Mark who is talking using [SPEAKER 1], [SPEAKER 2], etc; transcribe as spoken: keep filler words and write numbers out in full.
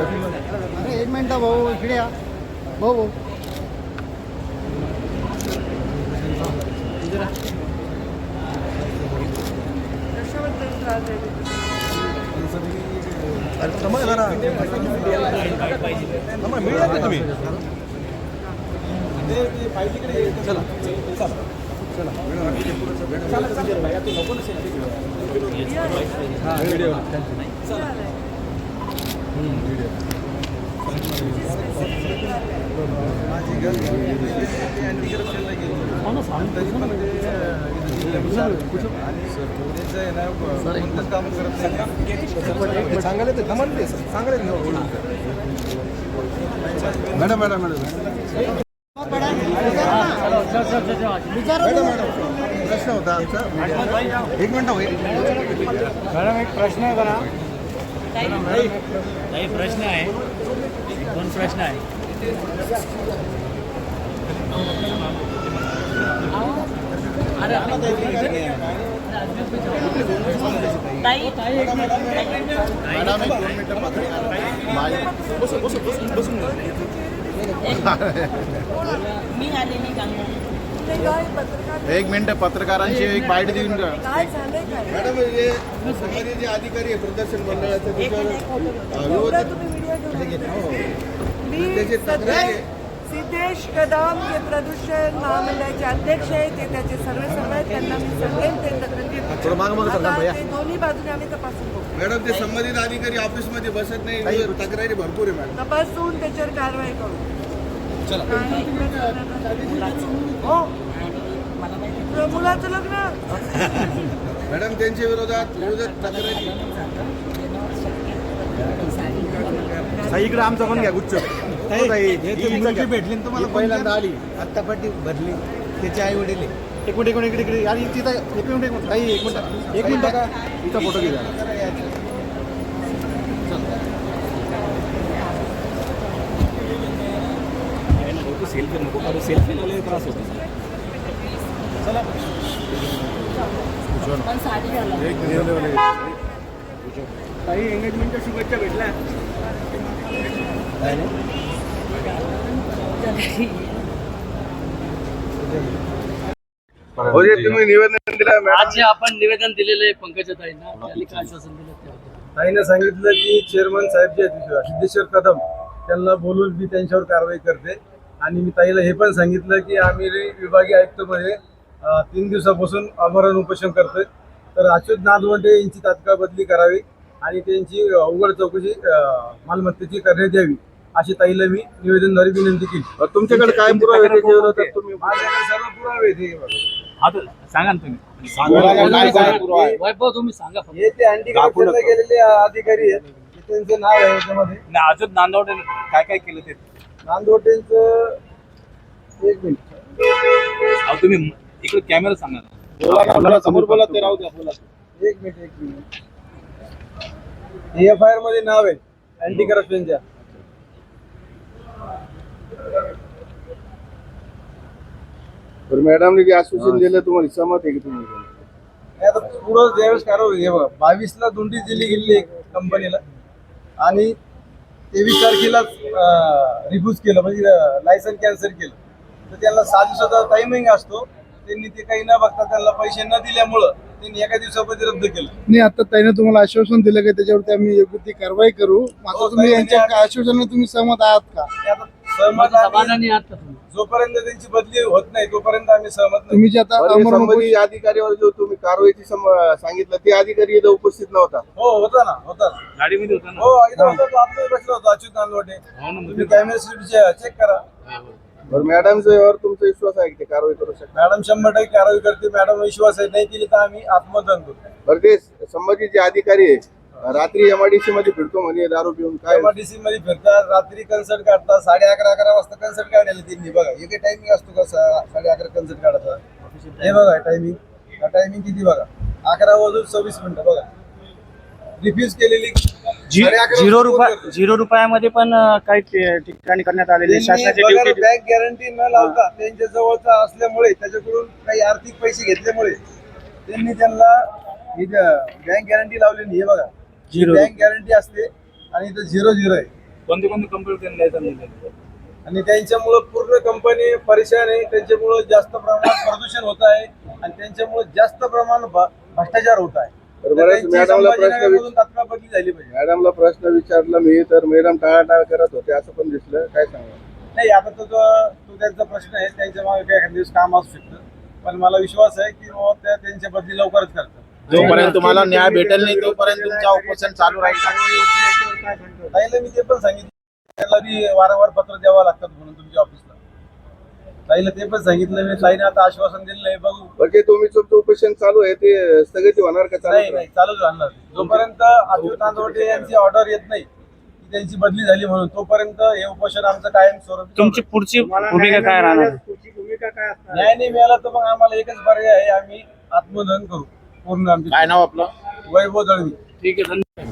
[SPEAKER 1] अरे एक मिनिट भाऊ, इकडे या भाऊ भाऊ. मॅडम मॅडम मॅडम प्रश्न होता आमचा. एक मिनिट होईल मॅडम, एक प्रश्न आहे बघा.
[SPEAKER 2] काही प्रश्न आहे, दोन प्रश्न आहे.
[SPEAKER 3] मी आलेली
[SPEAKER 1] एक मिनिट पत्रकारांची एक बाईट देऊन द्या.
[SPEAKER 4] मॅडम, हे सरकारी जे अधिकारी आहे प्रदर्शन मंडळाचे
[SPEAKER 5] सिद्धेश कदम जे प्रदूषण महामंडळाचे अध्यक्ष आहेत, ते त्याचे सर्व सर्व आहेत, त्यांना मी सांगेन ते तक्रारी दोन्ही बाजूने आम्ही तपासून बघू.
[SPEAKER 4] मॅडम, ते संबंधित अधिकारी ऑफिसमध्ये बसत नाही, तक्रारी भरपूर आहे मॅडम.
[SPEAKER 5] तपासून त्याच्यावर कारवाई करू. हो, मुलाचं लग्न
[SPEAKER 4] मॅडम, त्यांच्या विरोधात विरोधात तक्रारी.
[SPEAKER 1] इकडे आमचा पण घ्या गुच्छ. भेटली तुम्हाला
[SPEAKER 4] पहिल्यांदा आली, आत्ता पाठी भरली, त्याचे आई वडील
[SPEAKER 1] एक मिनिट एक मिनिट इकडे इकडे आणि तिथं एक मिनिट एक मिनिट काही एक मिनिट एक मिनिट बघा, इथं फोटो घ्या.
[SPEAKER 2] सेल्फी नको काढू, सेल्फी लावले त्रास होतो.
[SPEAKER 3] पण साडी घाला.
[SPEAKER 1] काही एंगेजमेंटच्या शुभेच्छा भेटल्या.
[SPEAKER 4] तुम्ही निवेदन दिलं.
[SPEAKER 2] आज जे आपण निवेदन दिलेलं आहे पंकजा ताईंना, त्यांनी काय आश्वासन दिलं?
[SPEAKER 6] ताईने सांगितलं की चेअरमन साहेब जे आहेत सिद्धेश्वर कदम, त्यांना बोलून मी त्यांच्यावर कारवाई करते. आणि मी ताईला हे पण सांगितलं की आम्ही विभागीय आयुक्तमध्ये तीन दिवसापासून आमरण उपोषण करतोय, तर अच्युत नादवंडे यांची तात्काळ बदली करावी आणि त्यांची उघड चौकशी मालमत्तेची करण्यात यावी, अशी ताईला मी निवेदनद्वारे विनंती केली.
[SPEAKER 4] तुमच्याकडे काय पुरावे त्याच्या विरोधात? तुम्ही
[SPEAKER 6] माझ्याकडे सर्व पुरावे आहेत.
[SPEAKER 2] सांगा ना तुम्ही. वैभव तुम्ही सांगा.
[SPEAKER 6] हे ते अँटी करप्शनला गेलेले अधिकारी आहेत, त्यांचं नाव आहे याच्यामध्ये.
[SPEAKER 2] अजून नांदवडे काय काय केलं ते
[SPEAKER 6] नांदवटेंचं एक मिनिट,
[SPEAKER 2] अहो तुम्ही इकडे कॅमेरा सांगा ना.
[SPEAKER 6] समोर बोला ते राहू द्या. बोला एक मिनिट एक मिनिट. एफ आय आर मध्ये नाव आहे अँटी करप्शनच्या.
[SPEAKER 4] मॅडमने जे आश्वासन दिलं तुम्हाला सहमत आहे की तुम्ही?
[SPEAKER 6] आता पुढं ज्यावेळेस कारवाई हे बघा, बावीस ला नोटीस दिली गेली कंपनीला आणि तेवीस तारखेला रिफ्यूज केलं, म्हणजे लायसन कॅन्सल केलं. तर त्यांना सात दिवसाचा टायमिंग असतो, त्यांनी ते काही न बघता त्यांना पैसे न दिल्यामुळं त्यांनी एका दिवसामध्ये रद्द केलं.
[SPEAKER 1] नाही, आता ताईने तुम्हाला आश्वासन दिलं की त्याच्यावरती आम्ही योग्य ती कारवाई करू. आता तुम्ही यांच्या आश्वासनाने तुम्ही सहमत आहात का?
[SPEAKER 6] आता सहमत आम्ही-
[SPEAKER 2] समाधानी आहात का तुम्ही?
[SPEAKER 6] जोपर्यंत त्यांची बदली होत नाही तोपर्यंत आम्ही सहमत नाही.
[SPEAKER 1] तुम्ही जे आता
[SPEAKER 4] बरं,
[SPEAKER 1] अमरण
[SPEAKER 4] संबंधित अधिकारीवर जो तुम्ही कारवाईची सम- सांगितलं ते अधिकारी इथं उपस्थित नव्हता.
[SPEAKER 6] हो होता ना, होता ना.
[SPEAKER 2] गाडीमध्ये होता ना?
[SPEAKER 6] हो इथं होता, तो आतमध्ये बसला होता अच्युत नांदवटे. तुम्ही कॅमेरा सीट चेक करा.
[SPEAKER 4] बरं, मॅडमच्या यावर तुमचा विश्वास आहे की ते कारवाई करू शकतात?
[SPEAKER 6] मॅडम शंभर टक्के कारवाई करते. मॅडम विश्वास आहे, नाही केली तर आम्ही आत्मदहन करू.
[SPEAKER 4] बरं, ते संबंधित जे अधिकारी आहे रात्री एमआयडीसी मध्ये फिरतो म्हणे दारू पिऊन, काय?
[SPEAKER 6] एमआरटीसी मध्ये फिरतात, रात्री कन्सर्ट काढतात. साडे अकरा अकरा वाजता कन्सर्ट काढायला त्यांनी बघा. एक टायमिंग असतो का साडे अकरा कन्सर्ट काढायचा? हे बघा टायमिंग, टायमिंग किती बघा, अकरा वाजून सव्वीस मिनिटं बघा. रिफ्यूज केलेली
[SPEAKER 1] झिरो रुपये झिरो रुपयामध्ये पण काही ठिकाणी करण्यात आलेले शासनाचे ड्युटी.
[SPEAKER 6] बँक गॅरंटी न लावता त्यांच्या जवळचा असल्यामुळे, त्याच्याकडून काही आर्थिक पैसे घेतल्यामुळे त्यांनी त्यांना बँक गॅरंटी लावलेली. हे बघा,
[SPEAKER 1] झिरो
[SPEAKER 6] बँक गॅरंटी असते आणि इथं झिरो झिरो आहे.
[SPEAKER 7] कोणती कोणती कंपनी त्यांनी लायसन दिले
[SPEAKER 6] आणि त्यांच्यामुळं पूर्ण कंपनी परेशान आहे. त्यांच्यामुळं जास्त प्रमाणात प्रदूषण होत आहे आणि त्यांच्यामुळं जास्त प्रमाणात भ- भ्रष्टाचार होत आहे.
[SPEAKER 4] तर
[SPEAKER 6] तर
[SPEAKER 4] बऱ्याच
[SPEAKER 6] त्यांची
[SPEAKER 4] मॅडमला प्रश्न
[SPEAKER 6] संभाजीनगरमधून
[SPEAKER 4] विच-
[SPEAKER 6] तात्काळ बदली झाली पाहिजे.
[SPEAKER 4] मॅडमला प्रश्न विचारला मी तर मॅडम टाळाटाळ करत होते असं पण दिसलं. काय सांगा?
[SPEAKER 6] नाही आता तो जो- तो त्यांचा प्रश्न आहे, त्यांच्या मागे काही एखाद्या दिवस काम असू शकतं, पण मला विश्वास आहे की बाबा त्या त्यांच्या बदली लवकरच करतात.
[SPEAKER 8] जोपर्यंत तुम्हाला न्याय भेटेल नाही तोपर्यंत तुमचा उपोषण चालू राहील.
[SPEAKER 6] ताईला मी ते पण सांगितलं, त्याला बी वारंवार पत्र द्यावं लागतात म्हणून तुमच्या ऑफिसला. ताईला ते पण सांगितलं मी. ताईने आता आश्वासन दिलेलं आहे, बघू.
[SPEAKER 4] म्हणजे तुम्ही तुमचं उपोषण चालू आहे ते स्थगित होणार का?
[SPEAKER 6] नाही
[SPEAKER 4] चालू
[SPEAKER 6] नाही चालूच राहणार. जोपर्यंत अच्युत नांदवटे यांची ऑर्डर येत नाही की त्यांची बदली झाली म्हणून, तोपर्यंत हे उपोषण आमचं कायम स्वरूपी
[SPEAKER 7] तुमची पुढची भूमिका काय राहणार
[SPEAKER 6] न्याय नाही मिळाला तर मग आम्हाला एकच पर्याय आहे, आम्ही आत्मदहन करू पूर्ण. आमची
[SPEAKER 8] काय नाव आपलं?
[SPEAKER 6] वैभव दळवी.
[SPEAKER 2] ठीक आहे, धन्यवाद.